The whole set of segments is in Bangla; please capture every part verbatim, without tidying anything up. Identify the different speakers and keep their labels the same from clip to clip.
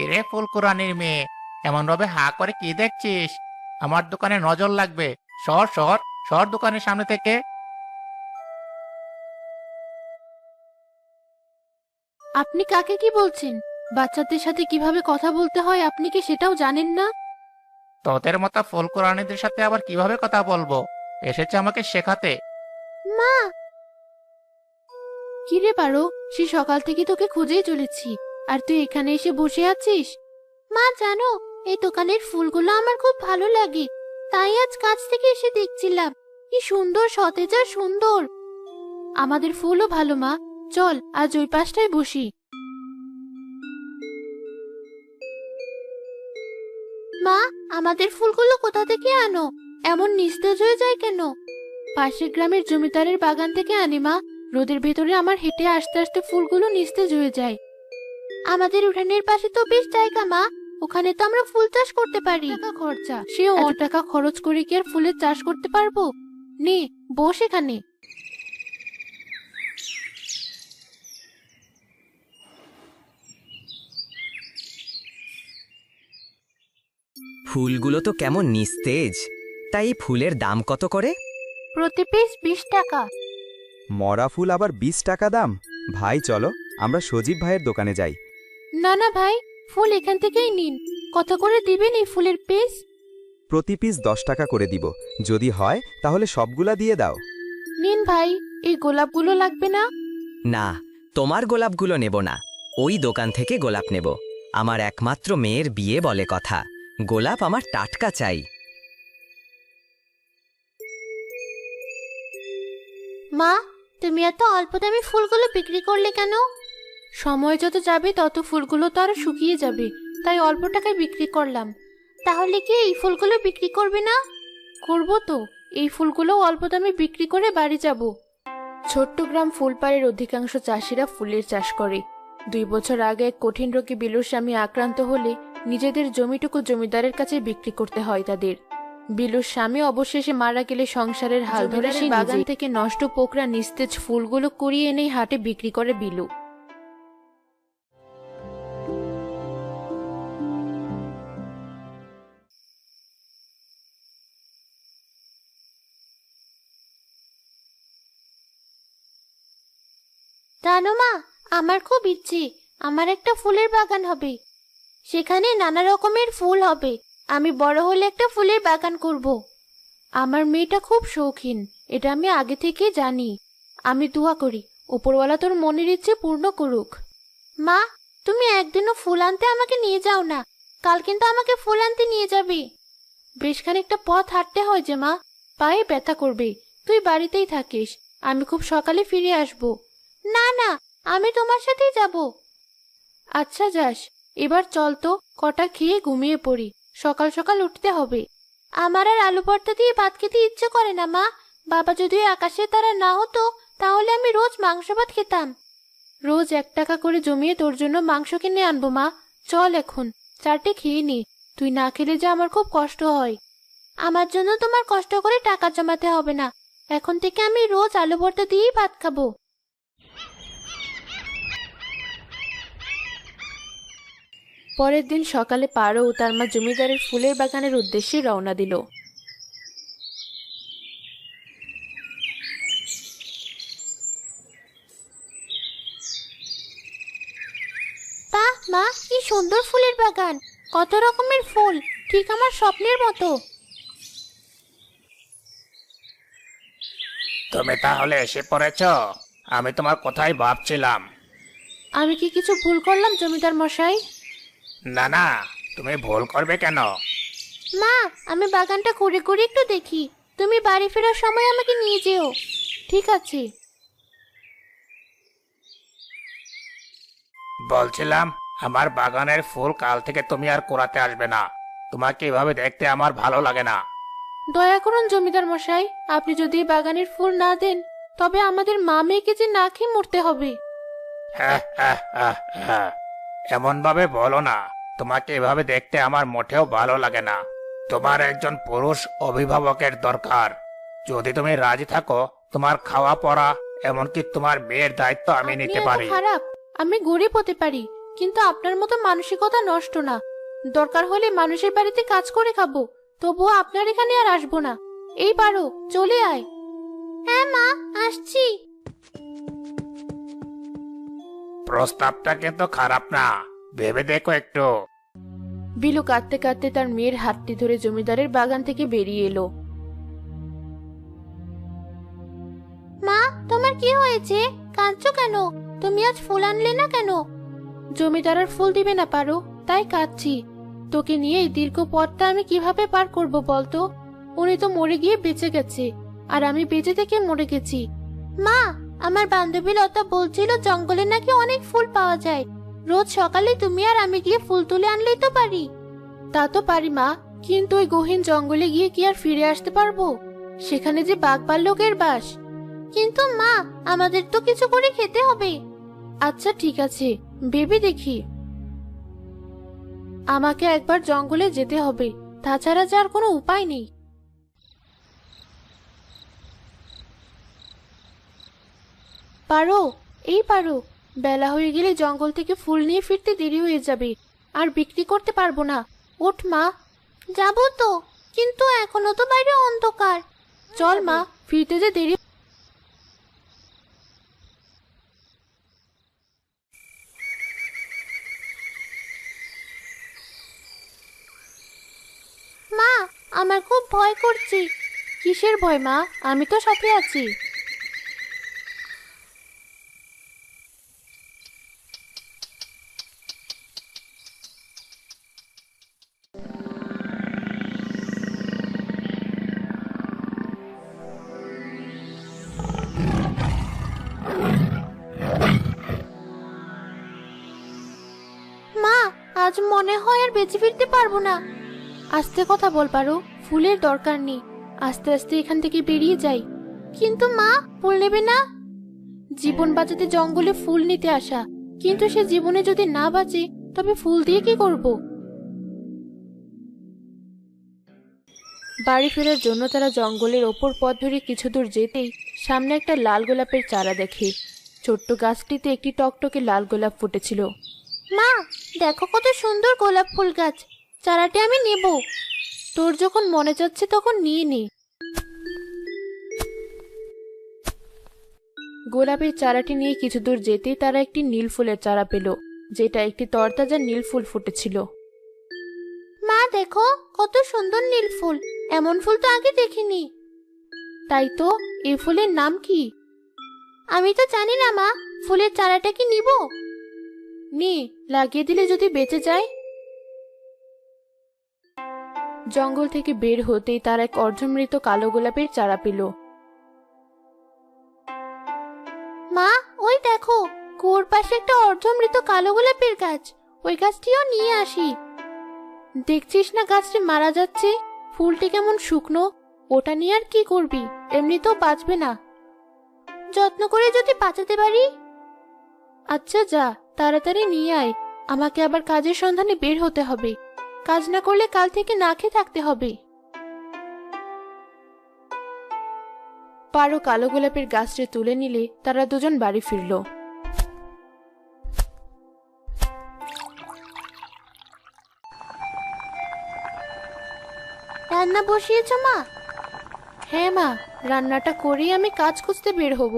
Speaker 1: কিরে ফুলকুরানির মেয়ে, এমন ভাবে হা করে কি দেখছিস? আমার দোকানে নজর লাগবে। সর সর সর দোকানের সামনে থেকে।
Speaker 2: আপনি কাকে কি বলছেন? বাচ্চাদের সাথে কিভাবে কথা বলতে হয় আপনি কি সেটাও জানেন না?
Speaker 1: তোদের মতো ফুলকুরানিদের সাথে আবার কিভাবে কথা বলবো? এসেছে আমাকে শেখাতে।
Speaker 2: মা! কি রে পারো, সে সকাল থেকে তোকে খুঁজেই চলেছি, আর তুই এখানে এসে বসে আছিস? মা জানো, এই দোকানের ফুলগুলো আমার খুব ভালো লাগে, তাই আজ কাছ থেকে এসে দেখছিলাম। কি সুন্দর, সতেজ আর সুন্দর। আমাদের ফুলও ভালো মা, চল আজ ওই পাশটায় বসি। মা, আমাদের ফুলগুলো কোথা থেকে আনো? এমন নিস্তেজ হয়ে যায় কেন? পাশের গ্রামের জমিদারের বাগান থেকে আনি মা। রোদের ভেতরে আমার হেঁটে আসতে আসতে ফুলগুলো নিস্তেজ হয়ে যায়। আমাদের উঠানের পাশে তো বেশ জায়গা মা, ওখানে তো আমরা ফুল চাষ করতে পারি। টাকা খরচা, সে অনেক টাকা খরচ করে কি আর ফুলের চাষ করতে পারবো? নে, বস এখানে।
Speaker 3: ফুলগুলো তো কেমন নিস্তেজ। তাই এই ফুলের দাম কত করে?
Speaker 2: প্রতি পিস বিশ টাকা।
Speaker 4: মরা ফুল আবার বিশ টাকা দাম? ভাই চলো, আমরা সজীব ভাইয়ের দোকানে যাই।
Speaker 2: না না ভাই, ফুল এখান থেকেই নিন। কত করে দিবেন এই ফুলের পিস?
Speaker 4: প্রতি পিস দশ টাকা করে দিব, যদি হয় তাহলে সবগুলা দিয়ে দাও।
Speaker 2: নিন ভাই, এই গোলাপগুলো লাগবে না?
Speaker 3: না, তোমার গোলাপগুলো নেব না। ওই দোকান থেকে গোলাপ নেব। আমার একমাত্র মেয়ের বিয়ে বলে কথা, গোলাপ আমার টাটকা চাই।
Speaker 2: মা, তুমি এত অল্প দামে ফুলগুলো বিক্রি করলে কেন? সময় যত যাবে তত ফুলগুলো তো আরো শুকিয়ে যাবে, তাই অল্প টাকায় বিক্রি করলাম। তাহলে কি এই ফুলগুলো বিক্রি করবে না? করব তো, এই ফুলগুলো অল্প দামে বিক্রি করে বাড়ি যাব। ছোট্ট গ্রাম ফুলপাড়ের অধিকাংশ চাষিরা ফুলের চাষ করে। দুই বছর আগে এক কঠিন রোগে বিলুর স্বামী আক্রান্ত হলে নিজেদের জমিটুকু জমিদারের কাছে বিক্রি করতে হয় তাদের। বিলুর স্বামী অবশেষে মারা গেলে সংসারের হাল ধরে সেই বাগান থেকে নষ্ট পোকরা নিস্তেজ ফুলগুলো কুড়িয়ে এনেই হাটে বিক্রি করে বিলু। জানো মা, আমার খুব ইচ্ছে আমার একটা ফুলের বাগান হবে, সেখানে নানা রকমের ফুল হবে। আমি বড় হলে একটা ফুলের বাগান করব। আমার মেয়েটা খুব শৌখিন, এটা আমি আগে থেকে জানি। আমি দোয়া করি উপরওয়ালা তোর মনের ইচ্ছে পূর্ণ করুক। মা, তুমি একদিনও ফুল আনতে আমাকে নিয়ে যাও না, কাল কিন্তু আমাকে ফুল আনতে নিয়ে যাবে। বেশ খানিকটা পথ হাঁটতে হয় যে মা, পায়ে ব্যথা করবে। তুই বাড়িতেই থাকিস, আমি খুব সকালে ফিরে আসব। না না, আমি তোমার সাথেই যাব। আচ্ছা যাস, এবার চল তো, কটা খেয়ে ঘুমিয়ে পড়ি, সকাল সকাল উঠতে হবে। আমার আর আলু ভর্তা দিয়ে ভাত খেতে ইচ্ছে করে না মা। বাবা যদি আকাশে তারা না হতো তাহলে আমি রোজ মাংস ভাত খেতাম। রোজ এক টাকা করে জমিয়ে তোর জন্য মাংস কিনে আনবো মা। চল এখন, চারটে খেয়ে নি, তুই না খেলে যে আমার খুব কষ্ট হয়। আমার জন্য তোমার কষ্ট করে টাকা জমাতে হবে না, এখন থেকে আমি রোজ আলু ভর্তা দিয়েই ভাত খাবো। পরের দিন সকালে পারো ও তার মা জমিদারের ফুলের বাগানের উদ্দেশ্যে রওনা দিল। বাহ মা, কি সুন্দর ফুলের বাগান, কত রকমের ফুল, ঠিক আমার স্বপ্নের মতো।
Speaker 1: তুমি তাহলে এসে পড়েছ? আমি তোমার কথাই ভাবছিলাম।
Speaker 2: আমি কি কিছু ভুল করলাম জমিদার মশাই?
Speaker 1: না না, তুমি ভুল করবে কেন?
Speaker 2: মা, আমি বাগানটা ঘুরে ঘুরে একটু দেখি, তুমি বাড়ি ফেরার সময় আমাকে নিয়ে যেও। ঠিক আছে।
Speaker 1: বলছিলাম, আমার বাগানের ফুল কাল থেকে তুমি আর কুড়াতে আসবে না। তোমাকে এভাবে দেখতে আমার ভালো লাগে না।
Speaker 2: দয়া করুন জমিদার মশাই, আপনি যদি এই বাগানের ফুল না দেন তবে আমাদের মা মেয়েকে যে না খেয়ে মরতে হবে।
Speaker 1: হ্যাঁ হ্যাঁ হ্যাঁ হ্যাঁ, এমন ভাবে বলো না। তোমাকে এভাবে দেখতে আমার মোটেও ভালো লাগে না। তোমার একজন পুরুষ অভিভাবকের দরকার। যদি তুমি রাজি থাকো, তোমার খাওয়া পড়া এমনকি তোমার বিয়ের দায়িত্ব আমি
Speaker 2: আপনি
Speaker 1: নিতে
Speaker 2: এত
Speaker 1: পারি।
Speaker 2: খারাপ? আমি গরিব হতে পারি, কিন্তু আপনার মতো মানসিকতা নষ্ট না। দরকার হলে মানুষের বাড়িতে কাজ করে খাবো, তবুও আপনার এখানে আর আসবো না। এই পারো, চলে আয়। হ্যাঁ মা, আসছি।
Speaker 1: প্রস্তাবটা কিন্তু খারাপ না, ভেবে দেখো একটু।
Speaker 2: বিলু কাঁদতে কাঁদতে তার মেয়ের হাতটি ধরে জমিদারের বাগান থেকে বেরিয়ে এলো। মা, তোমার কি হয়েছে? কাঁদছো কেন? তুমি আজ ফুল আনলে না কেন? জমিদার আর ফুল দিবে না পারো, তাই কাঁদছি। তোকে নিয়ে এই দীর্ঘ পথটা আমি কিভাবে পার করব বলতো? উনি তো মরে গিয়ে বেঁচে গেছে, আর আমি বেঁচে থেকে মরে গেছি। মা, আমার বান্ধবী লতা বলছিল জঙ্গলে নাকি অনেক ফুল পাওয়া যায়। রোজ সকালে তুমি আর আমি গিয়ে ফুল তুলে আনলেই তো পারি। তা তো পারি মা, কিন্তু ওই গহীন জঙ্গলে গিয়ে কি আর ফিরে আসতে পারবো? সেখানে যে বাঘ ভাল্লুকের বাস। কিন্তু মা, আমাদের তো কিছু করে খেতে হবে। আচ্ছা ঠিক আছে, ভেবে দেখি। আমাকে একবার জঙ্গলে যেতে হবে, তাছাড়া যার কোনো উপায় নেই। পারো, এই পারো, বেলা হয়ে গেলে জঙ্গল থেকে ফুল নিয়ে ফিরতে দেরি হয়ে যাবে, আর বিক্রি করতে পারবো না। ওঠ মা। যাবো তো, কিন্তু এখনো তো বাইরে অন্ধকার। চল মা, ফিরতে যে দেরি। মা, আমার খুব ভয় করছে। কিসের ভয় মা? আমি তো সাথে আছি। মা, আজ মনে হয় আর বেঁচে ফিরতে পারবো না। আস্তে কথা বল পারো, ফুলের দরকার নেই। আস্তে আস্তে এখান থেকে বেরিয়ে যাই। কিন্তু মা, ফুল নেবে না? জীবন বাঁচাতে জঙ্গলে ফুল নিতে আসা, কিন্তু সে জীবনে যদি না বাঁচে তবে ফুল দিয়ে কি করব? বাড়ি ফেরার জন্য তারা জঙ্গলের ওপর পথ ধরে কিছু দূর যেতেই সামনে একটা লাল গোলাপের চারা দেখে। ছোট্ট গাছটিতে একটি টকটকে লাল গোলাপ ফুটেছিল। মা, দেখো কত সুন্দর গোলাপ ফুল গাছ, চারাটি আমি নেব। তোর যখন মনে যাচ্ছে তখন নিয়ে নে। গোলাপের চারাটি নিয়ে কিছু দূর যেতেই তারা একটি নীল ফুলের চারা পেল, যেটা একটি তরতাজা নীল ফুল ফুটেছিল। মা দেখো, কত সুন্দর নীল ফুল, এমন ফুল তো আগে দেখিনি। তাই তো, এই ফুলের নাম কি? আমি তো জানি না মা, ফুলের চারাটা কি নিব? নে, লাগিয়ে দিলে যদি বেঁচে যায়। জঙ্গল থেকে বের হতেই তার এক অর্ধমৃত কালো গোলাপের চারা পেল। মা, ওই দেখো, কুয়োর পাশে একটা অর্ধমৃত কালো গোলাপের গাছ, ওই গাছটিও নিয়ে আসি। দেখছিস না গাছটি মারা যাচ্ছে, ফুলটি কেমন শুকনো। ওটা নিয়ে আর কি করবি, এমনিতেও বাঁচবে না। যত্ন করে যদি বাঁচাতে পারি। আচ্ছা যা, তাড়াতাড়ি নিয়ে আয়, আমাকে আবার কাজের সন্ধানে বের হতে হবে। কাজ না করলে কাল থেকে না খেয়ে থাকতে হবে। পারো কালো গোলাপের গাছটি তুলে নিলে তারা দুজন বাড়ি ফিরল। রান্না বসিয়েছ মা? হ্যাঁ মা, রান্নাটা করেই আমি কাজ খুঁজতে বের হব।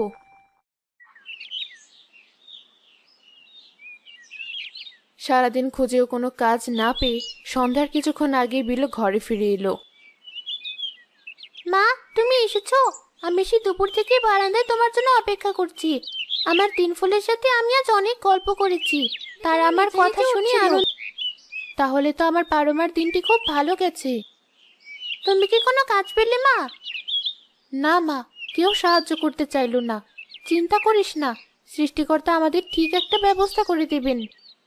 Speaker 2: সারাদিন খুঁজেও কোনো কাজ না পেয়ে সন্ধ্যার কিছুক্ষণ আগে বিলু ঘরে ফিরে এলো। মা, তুমি এসেছো? আমি সেই দুপুর থেকে বারান্দায় তোমার জন্য অপেক্ষা করছি। আমার তিন ফুলের সাথে আমি আজ অনেক গল্প করেছি, তারা আমার কথা শুনে আনন্দ। তাহলে তো আমার পারমার দিনটি খুব ভালো গেছে। তুমি কি কোনো কাজ পেলে মা? না মা, কেউ সাহায্য করতে চাইলো না। চিন্তা করিস না, সৃষ্টিকর্তা আমাদের ঠিক একটা ব্যবস্থা করে দেবেন।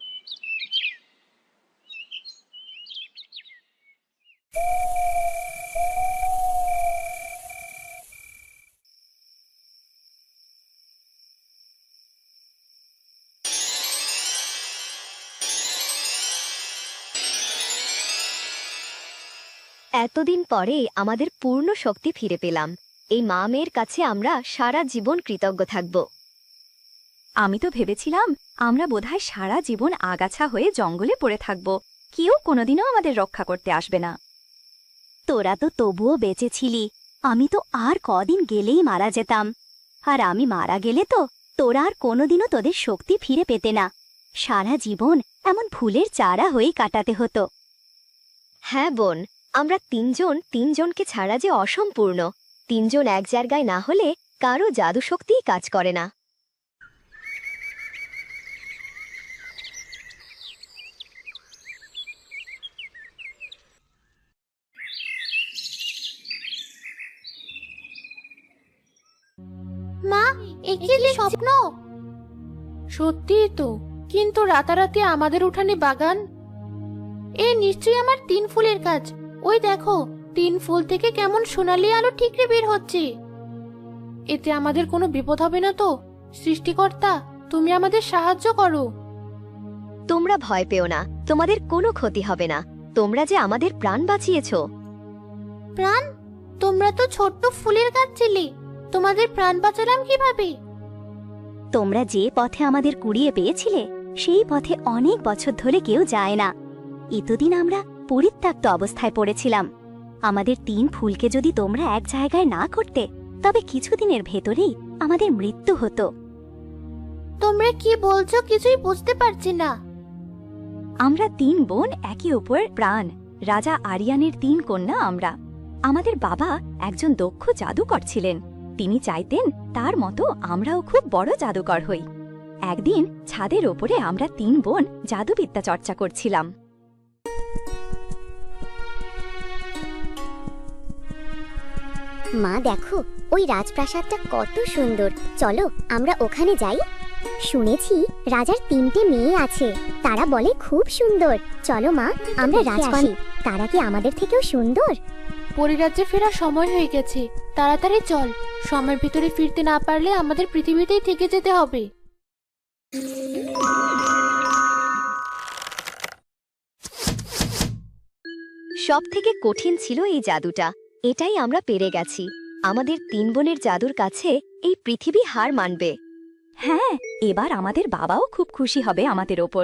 Speaker 5: এতদিন পরে আমাদের পূর্ণ শক্তি ফিরে পেলাম। এই মা মেয়ের কাছে আমরা সারা জীবন কৃতজ্ঞ থাকব। আমি তো ভেবেছিলাম আমরা বোধহয় সারা জীবন আগাছা হয়ে জঙ্গলে পড়ে থাকব, কেউ কোনোদিনও আমাদের রক্ষা করতে আসবে না। তোরা তো তবুও বেঁচে ছিলি, আমি তো আর কদিন গেলেই মারা যেতাম। আর আমি মারা গেলে তো তোরা আর কোনোদিনও তোদের শক্তি ফিরে পেতে না, সারা জীবন এমন ফুলের চারা হয়েই কাটাতে হতো। হ্যাঁ বোন, আমরা তিনজন তিনজনকে ছাড়া যে অসম্পূর্ণ, তিনজন এক জায়গায় না হলে কারো জাদু শক্তিই কাজ করে না।
Speaker 2: মা, এ কি যে স্বপ্ন! সত্যিই তো, কিন্তু রাতারাতি আমাদের উঠানে বাগান, এ নিশ্চয়ই আমার তিন ফুলের কাজ। ওই দেখো, তিন ফুল থেকে কেমন সোনালি আলো ঠিকরে বের হচ্ছে। এতে আমাদের কোনো বিপদ হবে না তো? সৃষ্টিকর্তা, তুমি আমাদের সাহায্য করো।
Speaker 5: তোমরা ভয় পেও না, তোমাদের কোনো ক্ষতি হবে না। তোমরা যে আমাদের প্রাণ বাঁচিয়েছ।
Speaker 2: প্রাণ? তোমরা তো ছোট্ট ফুলের গাছ ছিলে, তোমাদের প্রাণ বাঁচালাম কিভাবে?
Speaker 5: তোমরা যে পথে আমাদের কুড়িয়ে পেয়েছিলে সেই পথে অনেক বছর ধরে কেউ যায় না। এতদিন আমরা পরিত্যক্ত অবস্থায় পড়েছিলাম। আমাদের তিন ফুলকে যদি তোমরা এক জায়গায় না করতে, তবে কিছুদিনের ভেতরেই আমাদের মৃত্যু হতো।
Speaker 2: তোমরা কি বলছো কিছুই বুঝতে পারছি না।
Speaker 5: আমরা তিন বোন, একে অপর প্রাণ। রাজা আরিয়ানের তিন কন্যা আমরা। আমাদের বাবা একজন দক্ষ জাদুকর ছিলেন। তিনি চাইতেন তার মতো আমরাও খুব বড় জাদুকর হই। একদিন ছাদের ওপরে আমরা তিন বোন জাদুবিদ্যা চর্চা করছিলাম।
Speaker 6: মা দেখো, ওই রাজপ্রাসাদটা কত সুন্দর, চলো আমরা ওখানে যাই। শুনেছি রাজার তিনটে মেয়ে আছে, তারা বলে খুব সুন্দর। চলো মা, আমরা রাজকন্যা, তারা কি আমাদের থেকেও সুন্দর?
Speaker 2: পরিরাজ্যে ফেরার সময় হয়ে গেছে, তাড়াতাড়ি চল। সময়ের ভিতরে ফিরতে না পারলে আমাদের পৃথিবীতেই থেকে যেতে হবে।
Speaker 5: সব থেকে কঠিন ছিল এই জাদুটা, এটাই আমরা পেরে গেছি। আমাদের তিন বোনের জাদুর কাছে এই পৃথিবী হার মানবে। হ্যাঁ, এবার আমাদের বাবাও খুব খুশি হবে আমাদের ওপর।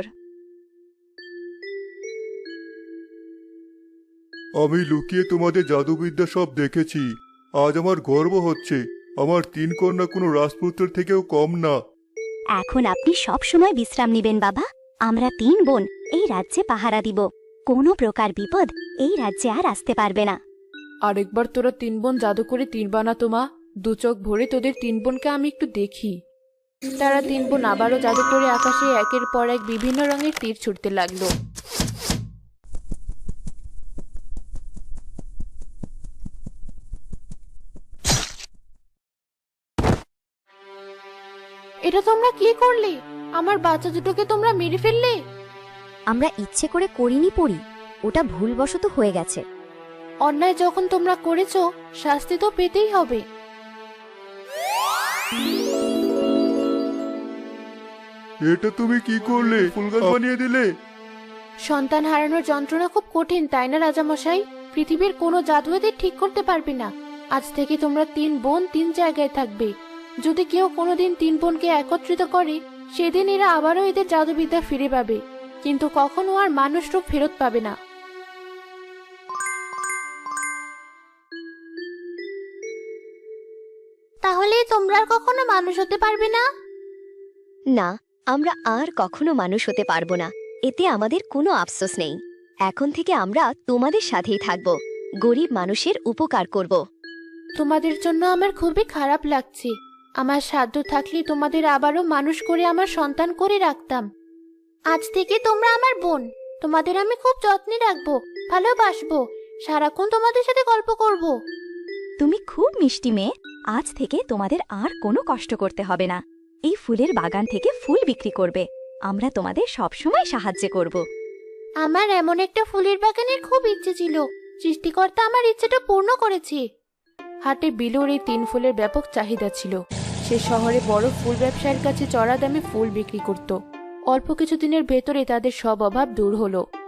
Speaker 7: আমি লুকিয়ে তোমাদের জাদুবিদ্যা সব দেখেছি। আজ আমার গর্ব হচ্ছে, আমার তিন কন্যা কোনো রাজপুত্রের থেকেও কম না।
Speaker 5: এখন আপনি সব সময় বিশ্রাম নেবেন বাবা। আমরা তিন বোন এই রাজ্যে পাহারা দিব। কোনো প্রকার বিপদ এই রাজ্যে আর আসতে পারবে না।
Speaker 8: আরেকবার তোরা তিন বোন জাদু করে তীর বানাতো মা, দু চোখ ভরে তোদের তিন বোনকে আমি একটু দেখি।
Speaker 2: তারা তিন বোন আবারও জাদু করে আকাশে একের পর এক বিভিন্ন রঙের তীর ছুটতে লাগলো। এটা তোমরা কি করলে? আমার বাচ্চা দুটোকে তোমরা মেরে ফেললে।
Speaker 5: আমরা ইচ্ছে করে করিনি পড়ি, ওটা ভুলবশত হয়ে গেছে।
Speaker 2: অন্যায় যখন তোমরা করেছো, শাস্তি তো পেতেই হবে।
Speaker 7: এটা তুমি কি করলে? ফুল গাছ বানিয়ে দিলে।
Speaker 2: সন্তান হারানোর যন্ত্রণা খুব কঠিন, তাই না রাজামশাই? পৃথিবীর কোনো জাদু এদের ঠিক করতে পারবে না। আজ থেকে তোমরা তিন বোন তিন জায়গায় থাকবে। যদি কেউ কোনোদিন তিন বোনকে একত্রিত করে, সেদিন এরা আবারও এদের জাদুবিদ্যা ফিরে পাবে, কিন্তু কখনো আর মানুষ রূপ ফেরত পাবে না। তাহলে তোমরা আর কখনো মানুষ হতে পারবে না?
Speaker 5: না, আমরা আর কখনো মানুষ হতে পারবো না। এতে আমাদের কোনো আফসোস নেই। এখন থেকে আমরা তোমাদের সাথেই থাকব, গরিব মানুষের উপকার করব।
Speaker 2: তোমাদের জন্য আমার খুবই খারাপ লাগছে। আমার সাধ্য থাকলে তোমাদের আবারও মানুষ করে আমার সন্তান করে রাখতাম। আজ থেকে তোমরা আমার বোন, তোমাদের আমি খুব যত্নে রাখবো, ভালোবাসবো, সারাক্ষণ তোমাদের সাথে গল্প করব।
Speaker 5: তুমি খুব মিষ্টি মেয়ে। আজ থেকে তোমাদের আর কোনো কষ্ট করতে হবে না। এই ফুলের বাগান থেকে ফুল বিক্রি করবে। আমরা তোমাদের সবসময় সাহায্য করব।
Speaker 2: আমার এমন একটা ফুলের বাগানের খুব ইচ্ছে ছিল, সৃষ্টিকর্তা আমার ইচ্ছেটা পূর্ণ করেছে।
Speaker 8: হাটে বিলুর এই তিন ফুলের ব্যাপক চাহিদা ছিল। সে শহরে বড় ফুল ব্যবসায়ীর কাছে চড়া দামে ফুল বিক্রি করত। অল্প কিছুদিনের ভেতরে তাদের সব অভাব দূর হলো।